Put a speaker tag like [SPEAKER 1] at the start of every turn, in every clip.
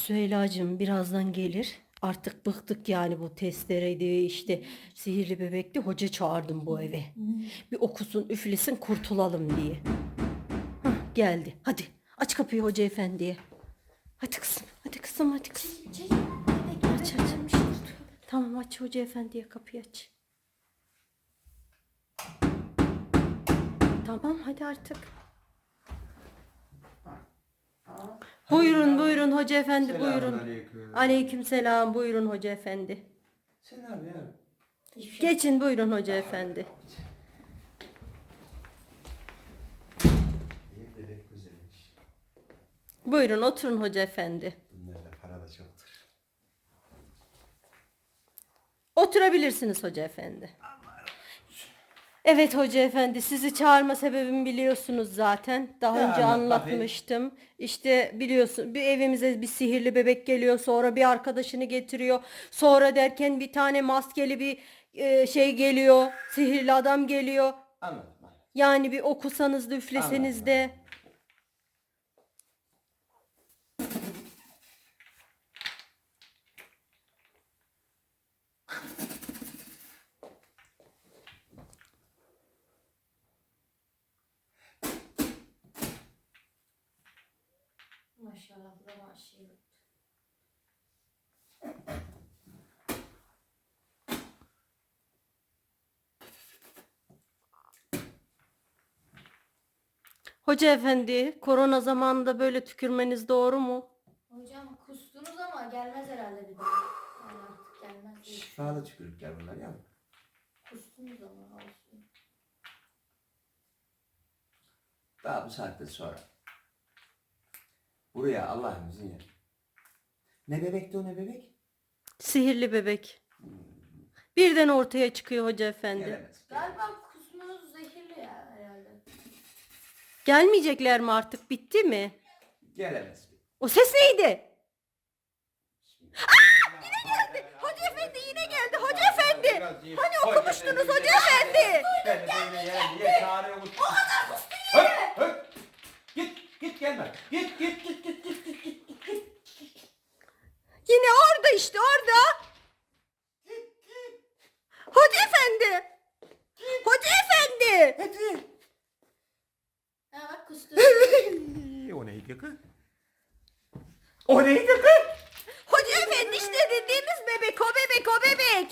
[SPEAKER 1] Süheyla'cığım birazdan gelir. Artık bıktık yani bu testereydi işte sihirli bebekti. Hoca çağırdım bu eve. Bir okusun üflesin kurtulalım diye. Hah, geldi. Hadi aç kapıyı hoca efendiye. Hadi kızım, hadi kızım, hadi kızım. Aç aç. Tamam aç hoca efendiye kapıyı aç. Tamam hadi artık. Buyurun buyurun hoca efendi buyurun.
[SPEAKER 2] Selamünaleyküm.
[SPEAKER 1] Aleykümselam buyurun hoca efendi.
[SPEAKER 2] Selam ya.
[SPEAKER 1] Geçin buyurun hoca efendi.
[SPEAKER 2] İyi bebek güzelmiş.
[SPEAKER 1] Buyurun oturun hoca efendi.
[SPEAKER 2] Bunlarda para da çoktur.
[SPEAKER 1] Oturabilirsiniz hoca efendi. Evet hoca efendi sizi çağırma sebebimi biliyorsunuz zaten. Daha
[SPEAKER 2] Ya
[SPEAKER 1] önce
[SPEAKER 2] anlat
[SPEAKER 1] anlatmıştım. İşte biliyorsun bir evimize bir sihirli bebek geliyor. Sonra bir arkadaşını getiriyor. Sonra derken bir tane maskeli bir şey geliyor. Sihirli adam geliyor.
[SPEAKER 2] Anladım.
[SPEAKER 1] Yani bir okusanız da üfleseniz
[SPEAKER 2] Anladım,
[SPEAKER 1] de.
[SPEAKER 3] Maşallah bu da maşallah.
[SPEAKER 1] Hoca efendi, korona zamanında böyle tükürmeniz doğru mu?
[SPEAKER 3] Hocam kustunuz ama gelmez herhalde bir daha. Yani artık gelmez diye
[SPEAKER 2] Şifalı
[SPEAKER 3] düşünüyorum.
[SPEAKER 2] tükürükler bunlar ya.
[SPEAKER 3] Kustunuz ama olsun.
[SPEAKER 2] Daha bu saatten sonra. Buraya Allah'ın izniyle. Ne bebekti o ne bebek?
[SPEAKER 1] Sihirli bebek. Birden ortaya çıkıyor hoca efendi.
[SPEAKER 2] Gelemez.
[SPEAKER 3] Galiba kusmunuz zehirli ya herhalde.
[SPEAKER 1] Gelmeyecekler mi artık? Bitti mi?
[SPEAKER 2] Gelemez.
[SPEAKER 1] O ses neydi? Yine geldi. Hoca efendi yine geldi. Hoca efendi. Hani okumuştunuz hoca efendi.
[SPEAKER 2] Ben de böyle yani niye çağırıyorsun? Git gelme. Git.
[SPEAKER 1] Yine orada işte orada. Hoca efendi. Hoca efendi.
[SPEAKER 2] Hadi.
[SPEAKER 3] Ha bak kustu.
[SPEAKER 2] O neydi kız? O neydi kız?
[SPEAKER 1] Hoca efendi işte dediğimiz bebek o bebek o bebek.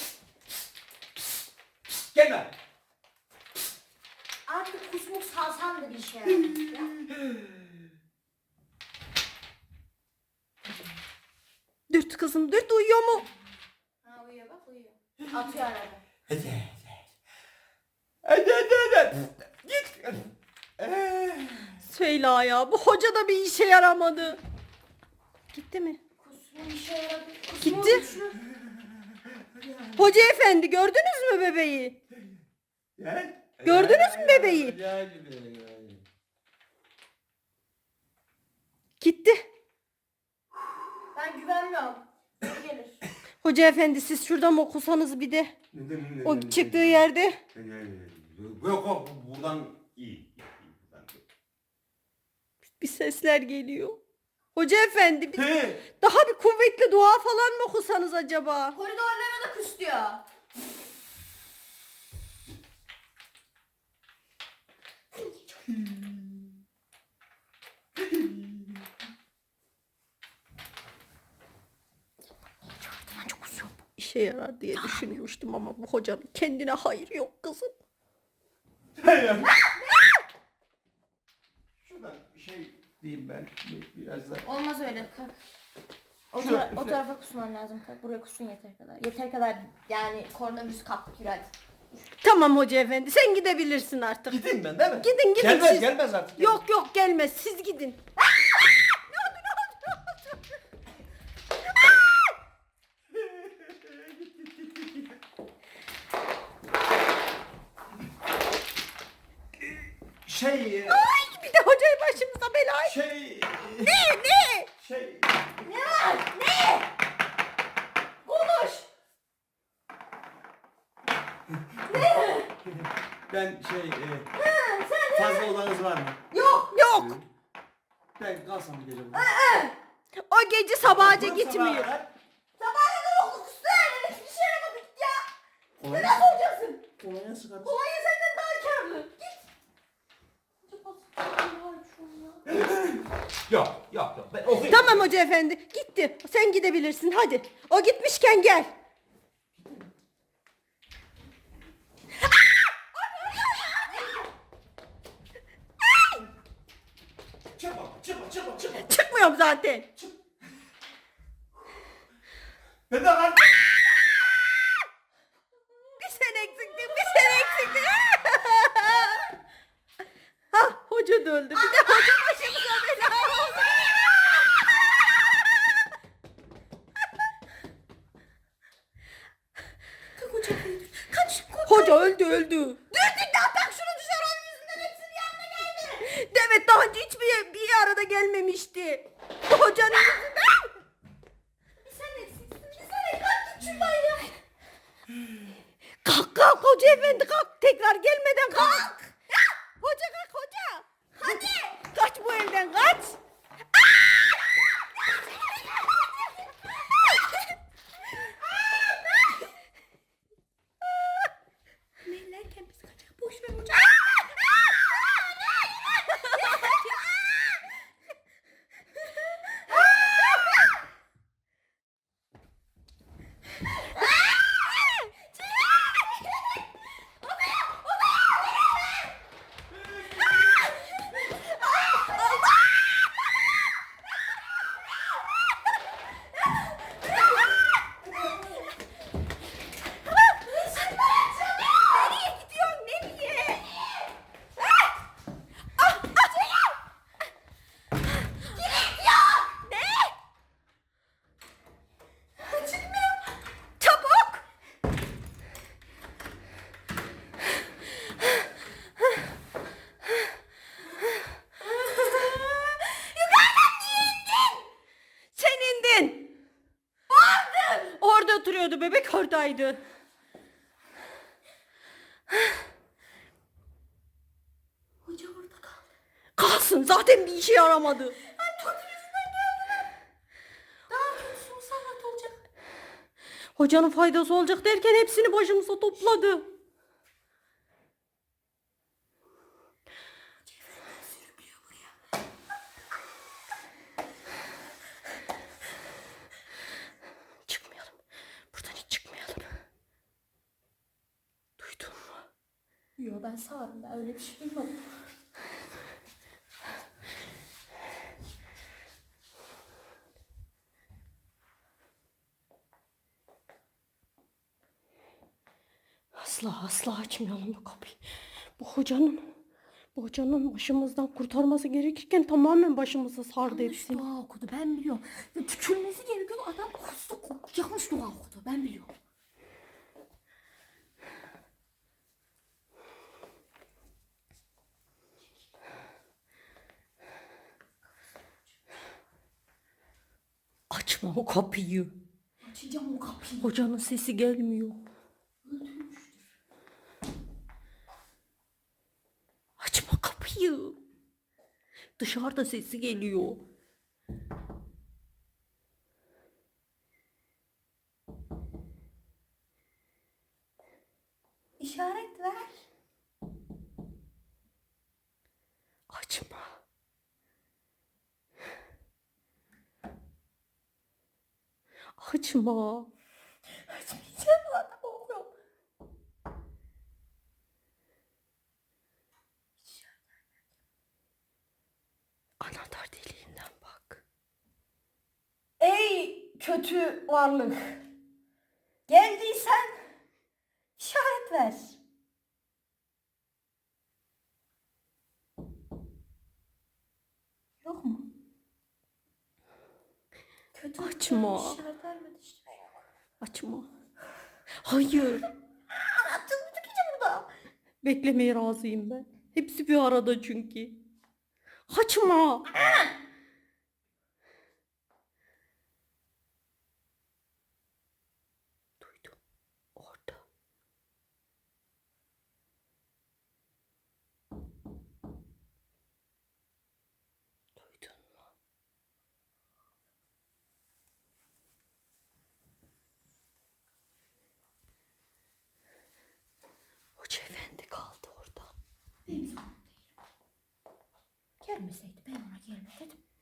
[SPEAKER 2] Gelme.
[SPEAKER 3] Artık kusmuk salsandı bir şey.
[SPEAKER 1] Dürt kızım dürt uyuyor mu?
[SPEAKER 3] Ha uyuyor bak uyuyor. Atıyor arada.
[SPEAKER 2] Hadi. Git.
[SPEAKER 1] Süheyla ya bu hoca da bir işe yaramadı. Gitti mi?
[SPEAKER 3] Kusmun işe yaradı.
[SPEAKER 1] Gitti. Hoca efendi gördünüz mü bebeği? Gördünüz mü bebeği? Gitti.
[SPEAKER 3] Ben güvenmiyorum. Geri gelir.
[SPEAKER 1] Hoca efendi siz şuradan okusanız bir de. O çıktığı yerde.
[SPEAKER 2] Yok buradan iyi.
[SPEAKER 1] Bir sesler geliyor. Hoca efendi
[SPEAKER 2] He.
[SPEAKER 1] daha bir kuvvetli dua falan mı okusanız acaba?
[SPEAKER 3] Koridorlara da kustuyor.
[SPEAKER 1] İşe yarar diye düşünmüştüm ama bu hocanın kendine hayır yok kızım.
[SPEAKER 2] Şuradan bir şey diyeyim ben biraz da.
[SPEAKER 3] Olmaz öyle. Kalk. O tarafa kusman lazım. Kalk. Buraya kusun yeter kadar. Yeter kadar yani koronavirüs kaptık yürü hadi.
[SPEAKER 1] Tamam hoca efendi sen gidebilirsin artık.
[SPEAKER 2] Gideyim ben değil mi?
[SPEAKER 1] Gidin
[SPEAKER 2] Gelmez
[SPEAKER 1] siz.
[SPEAKER 2] gelmez artık.
[SPEAKER 1] Yok gelmez siz gidin.
[SPEAKER 2] Şey
[SPEAKER 1] Ay bir de hocayı başımıza belaya.
[SPEAKER 2] şey
[SPEAKER 1] Ne?
[SPEAKER 2] şey
[SPEAKER 3] Ne var? Ne? Konuş.
[SPEAKER 2] ben fazla odanız var mı?
[SPEAKER 1] Yok.
[SPEAKER 2] Ben kalsam bir gece burada.
[SPEAKER 1] O gece sabahaca
[SPEAKER 2] Ulan
[SPEAKER 1] gitmiyor.
[SPEAKER 2] sabaha kadar.
[SPEAKER 3] Sabaha kadar oldu kustu yani. Hiçbir şey yapamadık ya.
[SPEAKER 2] Kolonya-
[SPEAKER 3] Nasıl olacaksın?
[SPEAKER 2] Kolonya sıkarız.
[SPEAKER 3] Kolonya senden daha kârlı. Git.
[SPEAKER 2] Yok. Ben okuyayım.
[SPEAKER 1] Tamam hoca efendi gitti. Sen gidebilirsin hadi. O gitmişken gel.
[SPEAKER 2] Çıkma.
[SPEAKER 1] Çıkmıyorum zaten.
[SPEAKER 2] Ben de lan.
[SPEAKER 1] Bir sen eksiktin, bir sen eksiktin. Ha, hoca da öldü. Bir de hoca başımıza bela oldu. Hoca öldü.
[SPEAKER 3] Dürtük de atak şunu dışarı onun yüzünden hepsinin yanına geldi.
[SPEAKER 1] Demet daha önce hiçbir arada gelmemişti. Bu hocanın yüzünden.
[SPEAKER 3] Bir sen eksiksin. Bir sen kalk git şuradan ya.
[SPEAKER 1] Kalk hoca efendi kalk. Tekrar gelmeden kalk. Hoca kalk hoca.
[SPEAKER 3] Hadi.
[SPEAKER 1] Kaç bu evden kaç.
[SPEAKER 3] Neylerken biz kaçak. Boş ver hoca. Nereye gidiyorsun? Nereye?
[SPEAKER 1] Çabuk. Sen indin. Orada oturuyordu bebek oradaydı.
[SPEAKER 3] Hoca orada kaldı.
[SPEAKER 1] Kalsın zaten bir işe yaramadı.
[SPEAKER 3] Daha kötüsü musallat olacak.
[SPEAKER 1] Hocanın faydası olacak derken hepsini başımıza topladı. Çıkmayalım. Buradan hiç çıkmayalım. Duydun mu?
[SPEAKER 3] Yo ben sağırım. Ben öyle bir şey duymadım.
[SPEAKER 1] Asla açmayalım bu kapıyı. Bu hocanın başımızdan kurtarması gerekirken tamamen başımıza sardı
[SPEAKER 3] Yanlış
[SPEAKER 1] hepsini.
[SPEAKER 3] dua okudu ben biliyorum. Ya, tükürmesi gerekiyor adam kustu. Yanlış dua okudu ben biliyorum.
[SPEAKER 1] Açma o kapıyı.
[SPEAKER 3] Açacağım o kapıyı.
[SPEAKER 1] Hocanın sesi gelmiyor. Açma kapıyı. Dışarıda sesi geliyor.
[SPEAKER 3] İşaret ver.
[SPEAKER 1] Açma. Açma.
[SPEAKER 3] Açmayacağım adam okuyorum.
[SPEAKER 1] Anahtar deliğinden bak.
[SPEAKER 3] Ey kötü varlık. Geldiysen işaret ver. Yok mu? Kötü
[SPEAKER 1] Açma.
[SPEAKER 3] işaret vermedi işte.
[SPEAKER 1] Açma. Hayır.
[SPEAKER 3] Anahtarını tıkayacağım burada.
[SPEAKER 1] Beklemeye razıyım ben. Hepsi bir arada çünkü. Açma. Duydum. Orada. Duydun mu?
[SPEAKER 3] Gelmeseydi ben ona gelme dedim.